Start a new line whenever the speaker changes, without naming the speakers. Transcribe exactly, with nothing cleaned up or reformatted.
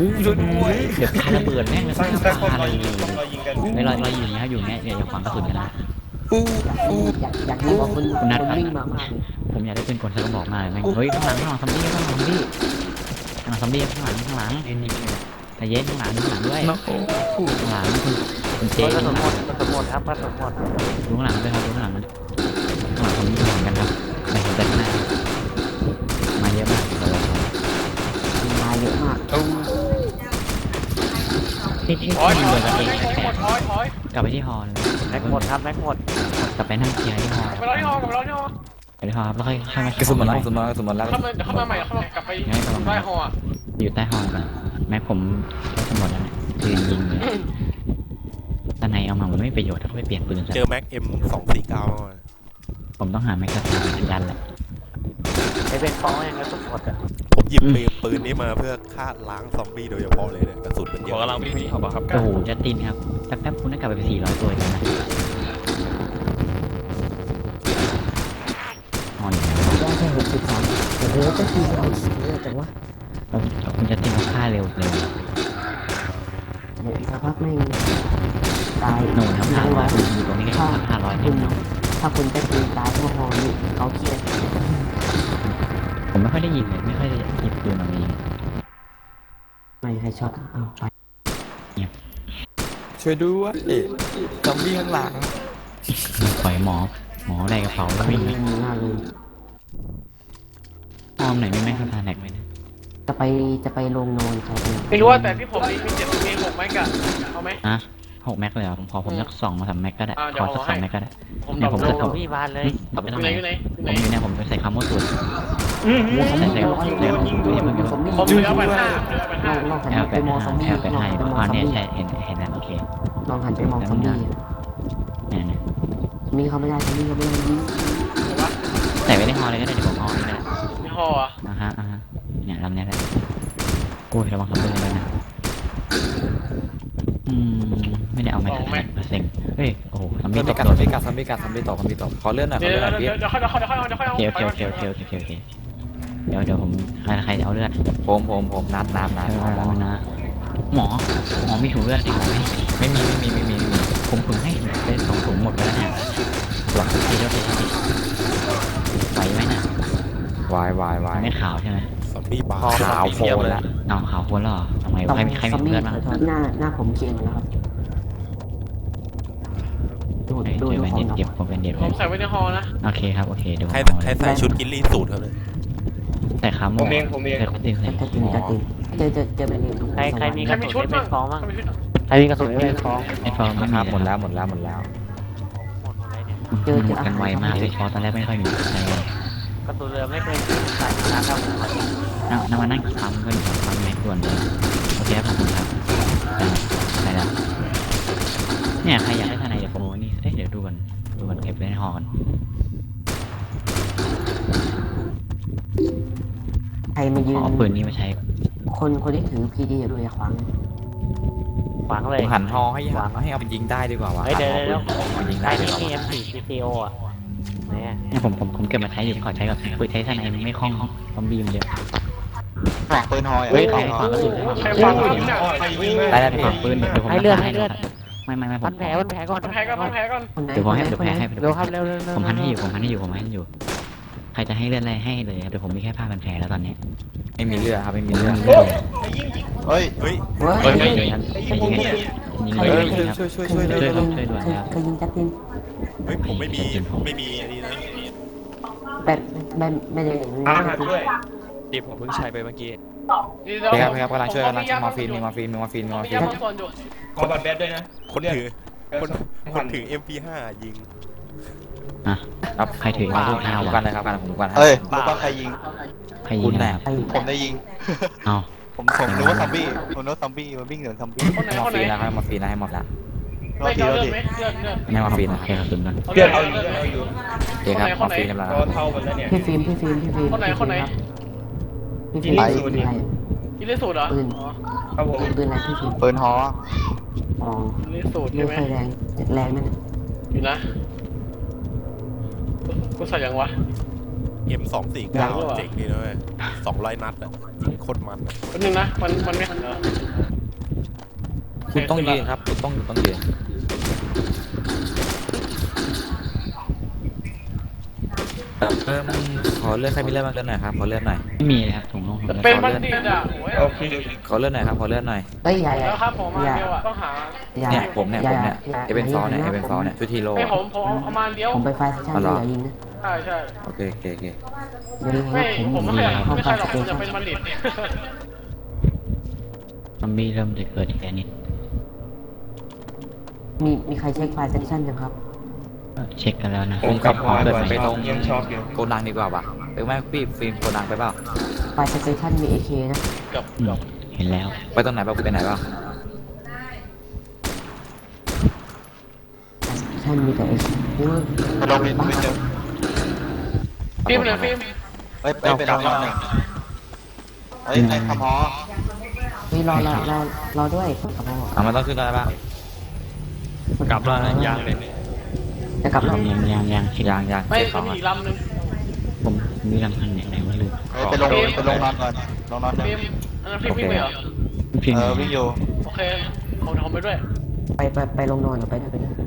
ช่วยด้วย
เดี๋ยวปาระเบิดแม่งเลย
สักสักคน
ปา
เรา
เลย
ยิงเรายิงกัน
ไม่เราเราอยู่นี่ครับอยู่เนี่ยอย่าขวางกระสุนกันนะ
อยากอยากยิงบอกคนคนวิ่งมามากเลย
ผมอยากได้เป็นคนสักกระบอกมากเลยแม่งเฮ้ยข้างหลังข้างหลังซอมบี้ข้างหลังซอมบี้ข้างหลังซอมบี้ข้างหลังข้างหลังแต่เย็นข้างหลังข้างหลังด้วยข้างหลังคุณคุณเจ
กระ
ข้าง
สุน
ห
หม
ลัง
ดกระสุนหมดครับกระสุนหมด
ดูข้างหลังด้วยครับดูข้างหลังนะข้างหลังซอมบี้เหมือนกันครับไม่เห็นแต่ข้างหน้ามาเยอะมากเลย
มาเยอะมาก
ที่ที่
ถอย
ที่
ถ
เรื
อย
อกัน
ถ
เอ
อย
งแปล
ถ
ก
อยถอย
กลับไปที่ฮอเลย
แม็กหมดครับแม็กหมด
กลับไปนั่งเคลียร์ที่ฮอ
ไปรอที่ห้องกับเราที่ห้อง
ไปที่ฮอครับแล้วค่อยค่อยมาก
ระสุนหมดแล้วกระสุนหมดแล้วกระสุนหมดแล้ว
เข้ามาเข้ามาใหม่เข้ามากลับไปใต้ห้อง
อยู่ใต้ฮอกันแม็กผมจะหมดแล้วเนี่ยคือยิงเลยตอนไหนเอามามันไม่มีประโยชน์ถ้าไม่เปลี่ยนปืนซะ
เจอแม็กเอ็มสองสี่เก้า
ผมต้องหาแม็กกาซีนยันแหละ
ไอเป็นฟองยังกระสุนหมดอ่ะ
ผมหยิบปืนปืนนี้มาเพื่อฆ่าล้างซอมบี้โดยเฉพาะเลยเนี่ยกระสุนมันเย
ข
อะ
อกำลังวิ่งขอบครับ
โอ้โหจัดตินครับแป๊บๆคุณได้กลับไปสี่ร้อยตัวเลยนะฮออยู่ไหน
ได้แค่หกสิบสามโอ้โหจะทีเราเยอะจังวะ
คุณจัดตินเขาฆ่าเร็วเลย
เดี๋ยวอีกสักพักไม่ตาย
โน่นครับห้าร้อยคุณอยู่ตรงนี้แค่ห้าร้อยเอ
คุ
ง
ณถ้าคุณจะตีตายพวกฮอนี่เขาเครียด
ผมไม่ค่อยได้ยิงเลยไม่ค่อยได้หยิบปืนมายิง
ไม่ให้ช็อตเอาไป
ช่วยด้วยซอมบี้ข้างหลัง
ปล่อยหมอหมอได้กระเป๋าแล้ววิ่ง
ไม่มีหน้าเลย
อ้อมไหนไม่แม่งคาทาแน็กไหมนะ
จะไปจะไปลงนอนเขาเอง
ไม่รู้ว่าแต่ที่ผมนี่มีเจ็ดมีหกไหมกันเอาไหม
อ่ะหกแม็กเลยเหรอผมขอผมสักสองมาสามแม็กก็ได้
อ่าเดี๋
ข
ยว
อสัก
เอา
ส
ให้
องแม็กก็ได้
ผม
เนี่ยผม
ต
จะ
อบ
ส่ง
พี่บานเลย
ตอบไป
อ
ทำ
ยู่
ไม
ไหนอยู่ไหนอยู่ไหน
ผมอยู่เนี่ยผมจะใส่คำว่าสุด
โอ้สมมติ
ใส่
เรา
ใส่
เดี๋ยว
เดี๋ยว
เดี๋ยว
ผม
สมมติ
ผมเหลือไปห้าเหลือไป
ล
ห้า
องลองหัน
แอล
ไป
เป็ด
มองซอมบี้
แอลเป็ด
ลอง
ให้
หันไปมอง
อ๋อ
ซอม
เนี่ย
บี้
ใช่เห็นเห็นแล้วโอเค
ลองหันไปมองซอมบี้
เนี่ยเนี่ย
มีเขาไม่ได้ซอมบี้เขาไม่ได้ยิง
ใส่ไว้ในฮอเลยก็ได้เดี๋ยวผมฮอเลยก็ได้
ในห้องอ่ะ
อ่าฮะอ่าฮะเนี่ยลำเนี้ยแหละกูระวังคำเตือนเลยนะอืมไม่ได้เอาแม็กซ์แม็กซ์เซ็งเฮ้ยโอ้โหซอม
ซ
บี้
อม
ต
บี้
ก
กัด
โด
ซอม
น
บี้กัดซอมบี้กัดซอมบี้ตกซอมบี้ตกขอเลื่อนหน่อยขอ
เดี๋ยว
เลื่อนหน่อย
เดี๋
พี่
ยวเดี๋ยวค่อยเดี๋ยวค่อยเดี๋ยวค่อยเดี๋ยวค่อย
โอเคโอเคโอเคโอเคโอเคโอเคเดี๋ยวเดี๋ยวผมใครใครจะเอาเลือด
ผมผมผมนัดนัดนัด
หมอนะหมอหมอมีถุงเลือดอีกไหม
ไม่มีไม่มีไม่มีไม่มี
ผมถุงให้เป็นสองถุงหมดไปแล้วเนี่ยหลังทีเดียวทีเดียวทีไหวไหมนะ
วายวายวาย
ไม่ขาวใช่ไหม
ซอมบี้บาร์
ขาวโฟนแล้ว
เอาขาวคนแล้วเหรอทำไมใครมีใคร
ซ
มี
อมบี้
เพื่อนบ้าง
หน้าหน้าผมเคียงแล้วครับดู
เฮ้ย
ดู
เจอ
ดู
แบน
ขอ
เด็
ง
ดเก็บผมเป็นเด็ด
ผมใส่ไว้ในห้องนะ
โอเคครับโอเคเดี๋ยวผม
ใคร
เอา
ใครใส่ชุดกินลี่สูตรเขาเลย
ใส่ขาหมู
ผมเองผมเอง
ใส่กระติกใส่
จะติงจะติงเจอเจอเจอแบบนี้
ใครใครมี
ใค
ก
ร
ระ
มี
สุ
ชุ
น
ด
ไอเป็
บ้าง
นฟองบ้าง
ใครมีชุด
ใครมีกระสุนไอเป็นฟอง
ไอ้ฟอร์ม
นะครับหมดแล้วหมดแล้วหมดแล้ว
หมดหมดเลยเนี่ย
เจอ
ห
เจ
ม
อ
ดกันไวมากเลยฟอร์ตอนแรกไม่ค่อยมีใครเลย
กระสุนเรือไม่เคยใส่นะครับ
นั่งนั่งมานั่งทำก็อยู่ทำแม็กด่วนเลยโอเคครับขอบคุณครับได้แล้วเนี่ยใครอยากได้ทนายเดี๋ยวผมนี่เอ้ยเดี๋ยวดูกันดูกันเก็บไว้ในห้องกัน
ใครมายืน
เอาปืนนี้มาใช้
คนคนที่ถือพีดีอยู่ด้วยขวาง
ขวางเล
ผ
ย
มหันฮอให้หันให้เอาไปยิงได้ดีกว่าวะ
เฮ้ยเดี๋ยวเดี๋ยว
เอายิง
ใคร
ได้ดี
ที่
กว่า
มี เอ็ม สี่ ซี ซี โอ อ่ะเนี่ย
เนี่ยผมผมผมเก็บมาใช้อยู่ขอใช้กับปืนใช้ทนายมันไม่คล่องซอมบี้มันเยอะ
ฝากปืนหอย
เฮ้ยใครฝากกระสุน
ใครฟังอยู่เนี่ย
ได้ได้ฝากปืนเดี๋ยวผม
ให้เลือดให้เลือด
ไม่ไม่ไม่ผ
พั
ม
นแผลพันแผลก่อน
แพ้ก่อนแพ้ก่อน
คนไหน
เดี๋ยวผมให้
คน
เดี๋ยว
ไหน
แพ้ให้
เร็วครับเร็วเร็วเร็ว
ผมพันให้อยู่ผมพันให้อยู่ผมพันให้อยู่ใครจะให้เลือดอะไรให้เลยเดี๋ยวผมมีแค่ผ้าพันแผลแล้วตอนนี้
ไม่มีเลือดครับไม่มีเลือด
เฮ้ย
เฮ้ย
เฮ้ย
เฮ้ยเดี๋ยวยันยิงยิงยิง
เฮ้ย
ยิงครับ
ช่วยช่วยช่
ช่
ว
วย ย
ช่วย
ด่วนช่วยด่วนครับ
เคยยิงจัดติน
เฮ้ยผมไม่มีไม่มีอันนี้นะ
แบบไม่ไม่ได้เห็น
อ่า
จัดติน
ด้วยที่ผมเพิ่งใช้ไปเมื่อกี้
ดี
พี่ครับพี่ครับกำลังช่วยกำลังมอร์ฟีนมีมอร์ฟีนมีมอร์ฟีนมีมอร์ฟี
ยาน บางส่วนอยู่
ขอบัตรแบดด้วยนะ
คนถือคนคนถือ เอ็ม พี ห้า ยิง
อ่ะ
ครับ
ใครถือ
มา
ลูกห้า
ผม
วะ
กันเลยครับกันผมกัน
เอ้ยรู้ป่ะใครยิง
ใครยิงนะครับ
ไอ้
ผมได้ยิง
เอา
ผมผมรู้ว่าซอมบี้ผมรู้ว่าซอมบี้มันวิ่งเหนือซอมบี้
คนไหน
มอ
คน
ร์
ไหน
ฟีนแล้วครับมอร์ฟีนแล้วให้หมดแล้ว
รอ
ไม่
ที
เอา
รอ
เลือด
ที
ไหมเลือดเลือด
ไม่มอร์ฟีนโอเคครับคุณกัน
เลือดเอาเลือดเอาอยู่
โอเคครับมอร์ฟีนกำลัง
พี่ฟิล์มพี่ฟิล์มพี่ฟิล์ม
คนไหนคนไหน
พี่ฟิล์มปืนอะไร
กินเลสูตรเหรอ
ปืน
ครับผม
ปืนอะไรพี่ฟิล์ม
ปืนฮอ
อ๋อ
เลสูตร
ไม่
ใช่ไหม
ค่อยแรงแรงนั่น
อยู่นะกูใส่ยังวะ
เอ็ม สองสี่เก้า เจ๋งดีนะเว้ยสองร้อยนัดอะยิงโคตรมันอะ
แป๊บนึงนะมันมันไม่หันเหรอ
คุณต้องยืนครับคุณต้องต้องยืนเออขอเลื่อนใครมีเลื่อนบ้างเลื่อนหน่อยครับขอเลื่อนหน่อย
ไม่มีเลยครับถุงลงถุง
แต่
ลง
เป็นบัณฑิตอ่ะโอ้ย
โอเคขอเลื่อนหน่อยครับขอเลื่อนหน่อย
เอ้ยอย่าอย่า
แล้วครับผมมา
อย่า
เดียวอ่ะต้องหา
อย่า
เนี่ยผมเนี่ยผมเนี่ย
า
เอเวนฟอร์เนี่ยเอเวนฟอร์เนี่ยชุดทีโร่
ไอ้ผมผมเอามาอันเดียว
ผมไปไฟล์เซสชั่น
อ๋อเหรอ
อย่ายิงนะ
ใช่ใช่
โอเคโอเคโอเค
อย่ายิง
ไม่
นะผม
ผมไม่ใช่
เข้า
ไม่
ไฟ
ใช่
ล์
หรอก
ส
ผม
เต
จะ
ชั
เป็น นบัณฑิต
ซอมบี้เริ่มจะเกิดอีกแล้วนิด
มีมีใครเช็คไฟล์เซสชั่นยังครับ
เออเช็คกันแล้วนะ
ผมขับ
ขอเกิด
ไป
ใหม่
ตรงโกดังดีกว่าป่ะไปแม่พี่ฟิล์มโกดังไปเปล่า
ไฟล์เซสชั่นมี เอ เค นะ
เกือบ
อื
เกื
ม
อบ
เห็นแล้ว
ไปตรงไหนเปล่าไปไหนเปล่า
ไฟล์เซสชั่นมีแต่ เอ เค โอ้ย
ไปลงวินวินเดียว
ฟิล์มเลยฟิล์ม
เฮ้ยไปไปลงวินหนึ่งเฮ้ยไอ้ขมอ
เฮ้ยรอรอรอรอด้วยกลับมา
อ่ะมันต้องขึ้นได้ป่ะ
กลับแล้วยางเลยจะกลับแล้ว
ยังยังยังเช็ค
ยางยาง
ไม่
เก็บข
มั
อน ง
มี
อ่ะ
อีกลำหนึง
ผมมีลำพันเนี่ยไหนว่าลืม
เฮ้ยไปลงไปลงนอนก่อนลงนอนหนึ่ง
ฟิล์มอันนั้นฟิล์มวิ่งไปเหรอ
พิมพ์
เออวิ่งอยู่
โอเคผมทำไปด้วย
ไปไปไปลงนอนหรือไปไหนไปไหน